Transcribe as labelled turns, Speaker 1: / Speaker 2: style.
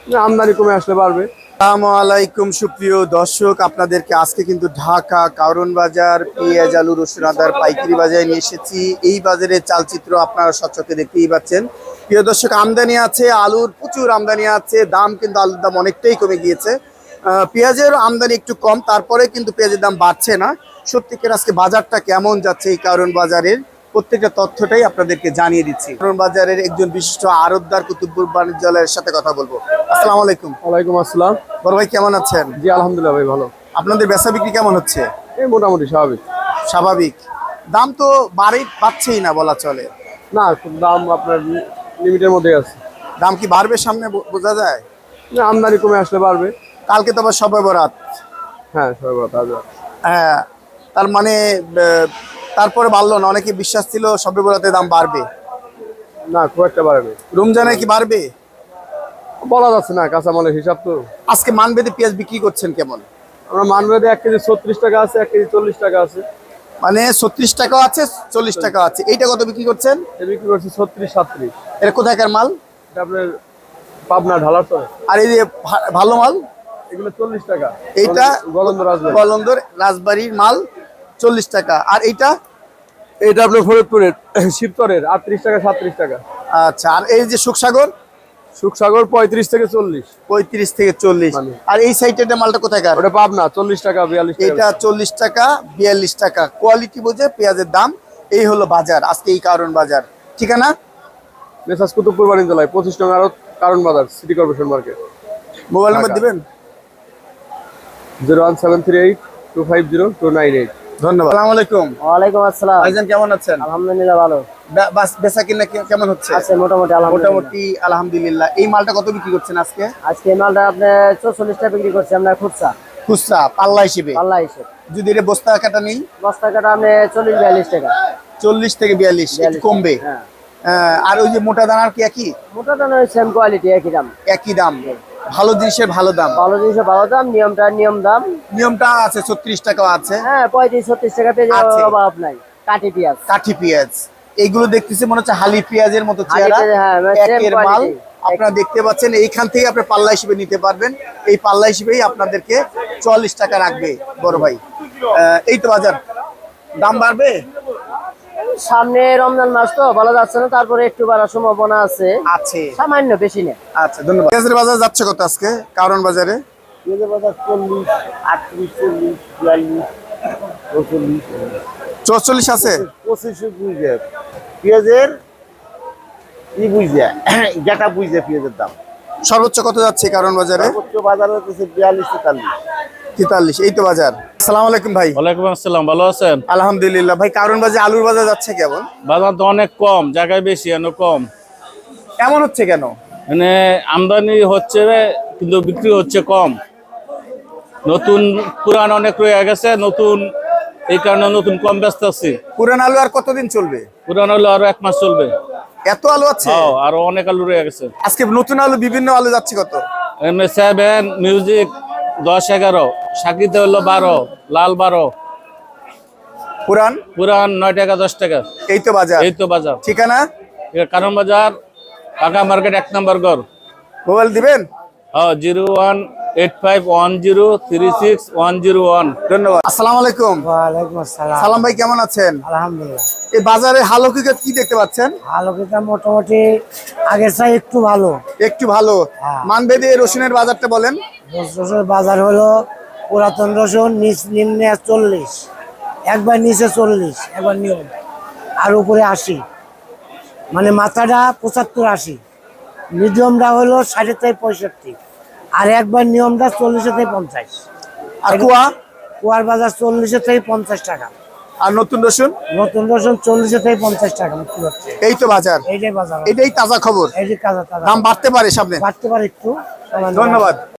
Speaker 1: আমদানি কমে আসলে বাড়বে।
Speaker 2: আসসালামু আলাইকুম সুপ্রিয় দর্শক, আপনাদেরকে আজকে কিন্তু ঢাকা কারণ বাজার পেঁয়াজ আলু রসুন আদার পাইকারি বাজারে নিয়ে এসেছি। এই বাজারের চালচিত্র আপনারা সচক্ষে দেখতেই পাচ্ছেন। প্রিয় দর্শক, আমদানি আছে, আলুর প্রচুর আমদানি আছে, দাম কিন্তু আলুর দাম অনেকটাই কমে গিয়েছে। পেঁয়াজের আমদানি একটু কম, তারপরে কিন্তু পেঁয়াজের দাম বাড়ছে না। সত্যিকার আজকে বাজারটা কেমন যাচ্ছে এই কারণ বাজারের প্রত্যেকটা তথ্যটাই আপনাদেরকে জানিয়ে দিচ্ছি। কারণ বাজারের একজন বিশিষ্ট আড়তদার কুতুবপুর বাণিজ্যালয়ের সাথে কথা বলবো। আসসালামু আলাইকুম।
Speaker 1: ওয়ালাইকুম আসসালাম।
Speaker 2: বড় ভাই কেমন আছেন?
Speaker 1: জি আলহামদুলিল্লাহ ভাই ভালো।
Speaker 2: আপনাদের বেচা বিক্রি কেমন হচ্ছে?
Speaker 1: এই মোটামুটি স্বাভাবিক।
Speaker 2: স্বাভাবিক। দাম তো বাড়ছেই না বলা চলে।
Speaker 1: না, দাম আপনার লিমিটের মধ্যে আছে।
Speaker 2: দাম কি বাড়বে সামনে বোঝা যায়?
Speaker 1: না, আমদানি কমে আসলে বাড়বে।
Speaker 2: কালকে তো আবার শবে বরাত।
Speaker 1: হ্যাঁ সবাই কথা আছে।
Speaker 2: হ্যাঁ, তার মানে তারপরে বাড়লো না, অনেকে বিশ্বাস ছিল শবে বরাতে দাম বাড়বে।
Speaker 1: না, খুব একটা বাড়বে।
Speaker 2: রমজানে কি বাড়বে
Speaker 1: বলা যাচ্ছে না, কাঁচামালের হিসাব তো।
Speaker 2: আজকে মানবেদে পেঁয়াজ বিক্রি করছেন কেমন?
Speaker 1: আমরা মানবেদে 1 কেজি 36 টাকা আছে, 1 কেজি 40 টাকা আছে।
Speaker 2: মানে 36 টাকাও আছে, 40 টাকা আছে। এইটা কত বিক্রি করছেন?
Speaker 1: বিক্রি করছি 36 37।
Speaker 2: এটা কোথাকার মাল?
Speaker 1: এটা আপনার পাবনা ঢালার তো।
Speaker 2: আর এই যে ভালো মাল
Speaker 1: এগুলো 40 টাকা।
Speaker 2: এইটা
Speaker 1: গলন্দর রাজবাড়ি।
Speaker 2: গলন্দর রাজবাড়ির মাল 40 টাকা। আর এইটা
Speaker 1: এটা আপনার ফরিদপুরের শিবতরের 38 টাকা 37 টাকা।
Speaker 2: আচ্ছা, আর এই যে সুখসাগর
Speaker 1: সুখসাগর 35 থেকে 40।
Speaker 2: 35 থেকে 40।
Speaker 1: মানে।
Speaker 2: আর এই সাইডের মালটা কোথাকার?
Speaker 1: ওটা পাবনা 40 টাকা 42 টাকা।
Speaker 2: এটা 40 টাকা 42 টাকা। কোয়ালিটি বুঝে পেঁয়াজের দাম। এই হলো বাজার আজকে এই কারণ বাজার। ঠিকানা
Speaker 1: মেসাজ কুতুবপুর বাণিজ্যালয় 25 নং আড়ত, কারণ বাজার, city corporation market.
Speaker 2: Mobile number দিবেন?
Speaker 1: 01738 250 298।
Speaker 2: ধন্যবাদ। আসসালামু আলাইকুম।
Speaker 3: ওয়ালাইকুম আসসালাম।
Speaker 2: ভাইজান কেমন আছেন?
Speaker 3: আলহামদুলিল্লাহ ভালো
Speaker 2: বেচা কিনা কেমন হচ্ছে?
Speaker 3: আছে মোটামুটি আলহামদুলিল্লাহ।
Speaker 2: মোটামুটি আলহামদুলিল্লাহ। এই মালটা কত বিক্রি করছেন আজকে?
Speaker 3: আজকে এই মালটা আপনি 44 টাকা বিক্রি করছি আমরা খুচরা
Speaker 2: খুচরা পাল্লা হিসেবে?
Speaker 3: পাল্লা হিসেব।
Speaker 2: যদি এটা বস্তা কাটা নেই?
Speaker 3: বস্তা কাটা আপনি 40 42 টাকা।
Speaker 2: 40 থেকে 42 একটু কমবে।
Speaker 3: হ্যাঁ।
Speaker 2: আর ওই যে মোটা দানার কি একই?
Speaker 3: মোটা দানা সেম কোয়ালিটি একই দাম।
Speaker 2: একই দাম। ভালো জিনিসের ভালো দাম।
Speaker 3: ভালো জিনিসের ভালো দাম, নিয়ম দাম।
Speaker 2: নিয়মটা আছে 36 টাকাও আছে।
Speaker 3: হ্যাঁ 35 36 টাকা পেয়ে
Speaker 2: আছে।
Speaker 3: যাওয়ার অভাব নাই। কাটি পেঁয়াজ।
Speaker 2: কাঠি পেঁয়াজ এইগুলো দেখতেছি মনে হচ্ছে হালি পেঁয়াজের মতো চেহারা।
Speaker 3: হালি পেঁয়াজ, হ্যাঁ, same
Speaker 2: একের মাল
Speaker 3: quality।
Speaker 2: আপনারা দেখতে পাচ্ছেন। এইখান থেকে আপনি পাল্লা হিসেবে নিতে পারবেন। এই পাল্লা হিসেবেই আপনাদেরকে 44 টাকা রাখবে বড় ভাই। এই তো বাজার। দাম বাড়বে
Speaker 3: সামনে রমজান মাস তো বলা যাচ্ছে না, তারপরে একটু বাড়ার সম্ভাবনা আছে।
Speaker 2: আছে।
Speaker 3: সামান্য, বেশি না।
Speaker 2: আচ্ছা ধন্যবাদ। পেঁয়াজের বাজার যাচ্ছে কত আজকে কারণ বাজারে?
Speaker 3: পেঁয়াজের বাজার 40 38 40 42 44
Speaker 2: 44 আছে।
Speaker 3: 25 বুঝে পেঁয়াজের ই বুঝে যেটা বুঝে পেঁয়াজের দাম
Speaker 2: সর্বোচ্চ কত যাচ্ছে কারণ বাজারে?
Speaker 3: সর্বোচ্চ বাজার হচ্ছে 42 43।
Speaker 2: 43। এই তো বাজার। আসসালামু আলাইকুম ভাই।
Speaker 4: ওয়ালাইকুম আসসালাম, ভালো আছেন?
Speaker 2: আলহামদুলিল্লাহ ভাই। কারণ বাজারে আলুর বাজার যাচ্ছে কেমন?
Speaker 4: বাজার তো অনেক কম, জায়গায় বেশি এনে কম।
Speaker 2: এমন হচ্ছে কেন?
Speaker 4: মানে আমদানি হচ্ছে কিন্তু বিক্রি হচ্ছে কম। নতুন পুরান অনেক রয়ে গেছে, নতুন এই কারণে নতুন কম ব্যস্ত আছি।
Speaker 2: পুরান আলু আর কতদিন চলবে?
Speaker 4: পুরান হলে আরো 1 মাস চলবে।
Speaker 2: এত আলু আছে?
Speaker 4: হ্যাঁ, আরো অনেক আলু রয়ে গেছে।
Speaker 2: আজকে নতুন আলু বিভিন্ন আলু যাচ্ছে কত?
Speaker 4: M7 মিউজিক 10 11, সাকিতে হলো 12, লাল 12,
Speaker 2: পুরান
Speaker 4: পুরান 9 টাকা 10 টাকা।
Speaker 2: এই তো বাজার।
Speaker 4: এই তো বাজার।
Speaker 2: ঠিকানা
Speaker 4: এটা কারণ বাজার, ঢাকা মার্কেট 1 নম্বর ঘর।
Speaker 2: মোবাইল দিবেন?
Speaker 4: হ্যাঁ, 0185103601।
Speaker 2: ধন্যবাদ। আসসালামু আলাইকুম।
Speaker 3: ওয়ালাইকুম আসসালাম।
Speaker 2: সালাম ভাই কেমন আছেন?
Speaker 3: আলহামদুলিল্লাহ।
Speaker 2: এই বাজারে হাল হকিকত কি দেখতে পাচ্ছেন?
Speaker 3: আলোকিতা মোটামুটি আগের চাই একটু ভালো।
Speaker 2: একটু ভালো।
Speaker 3: হ্যাঁ।
Speaker 2: মানবেদে রসুনের বাজারটা বলেন।
Speaker 3: রসুনের বাজার হলো পুরাতন রসুন নিম্নে 40, একবার নিচে 40, একবার নিয়ম, আর উপরে 80। মানে মাথাটা 75 80, মিডিয়ামটা হলো 60 থেকে 65, আর একবার নিয়মটা 40 থেকে 50।
Speaker 2: আর কুয়া?
Speaker 3: কুয়ার বাজার 40 থেকে 50 টাকা।
Speaker 2: আর নতুন রসুন?
Speaker 3: নতুন রসুন 40 থেকে 50 টাকা বিক্রি হচ্ছে।
Speaker 2: এই তো বাজার।
Speaker 3: এইটাই বাজার।
Speaker 2: এটাই তাজা খবর।
Speaker 3: এই যে কাঁচা তাজা
Speaker 2: দাম বাড়তে পারে সামনে।
Speaker 3: বাড়তে পারে একটু।
Speaker 2: ধন্যবাদ।